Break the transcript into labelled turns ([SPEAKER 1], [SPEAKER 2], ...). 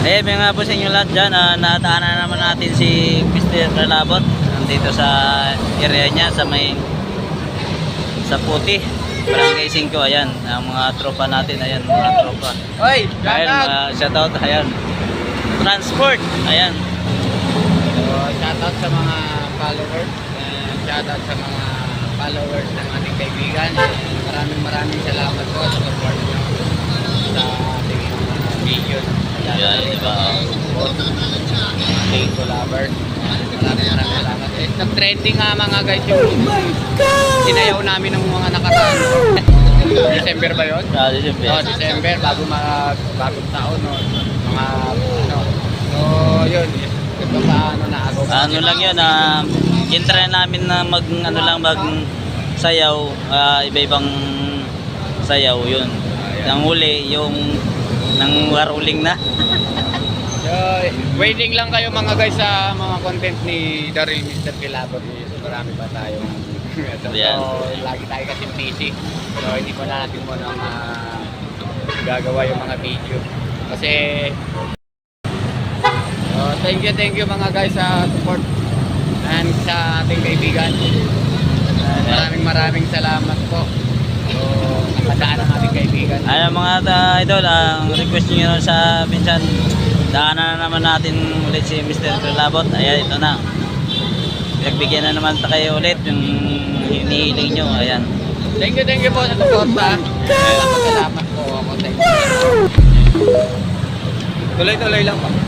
[SPEAKER 1] Eh, may nga po sa inyo lahat dyan, nataanan naman natin si Mr. Kalabot dito sa area niya, sa may sa Puti, Barangay 5, ayan, ang mga tropa natin, ayan, mga tropa.
[SPEAKER 2] Oy,
[SPEAKER 1] Ayan, shoutout, ayan. Transport, ayan.
[SPEAKER 2] So, shoutout sa mga followers. Shoutout sa mga followers ng ating kaibigan. Maraming salamat po sa support nyo sa ating mga video.
[SPEAKER 1] Ayan, diba?
[SPEAKER 2] Ating collabers. Maraming salamat. Nag-trending nga mga guys yung sinayaw namin ng mga nakaraan. December ba yun?
[SPEAKER 1] December.
[SPEAKER 2] December, bagong taon. No? Mga ano. So, yun. Ito paano na ako.
[SPEAKER 1] Ano lang yun, intry namin na mag sayaw, iba-ibang sayaw yun. Nang huli yung nang waruling na.
[SPEAKER 2] So, waiting lang kayo mga guys sa mga content ni Daryl Mr. Kilabot. So, marami pa tayong so, lagi tayo kasi busy. So, hindi ko na natin muna gagawa yung mga video. Kasi thank you mga guys sa support and sa ating kaibigan. Maraming salamat po. So, nakadaan ang ating kaibigan.
[SPEAKER 1] Ayan mga idol, ang request nyo sa minsan, daanan na naman natin ulit si Mr. Kalabot. Ayan, ito na. Nagbigyan na naman kayo ulit yung hinihiling nyo. Ayan.
[SPEAKER 2] Thank you po sa suporta. Salamat po ako sa inyo. Tuloy-tuloy lang po.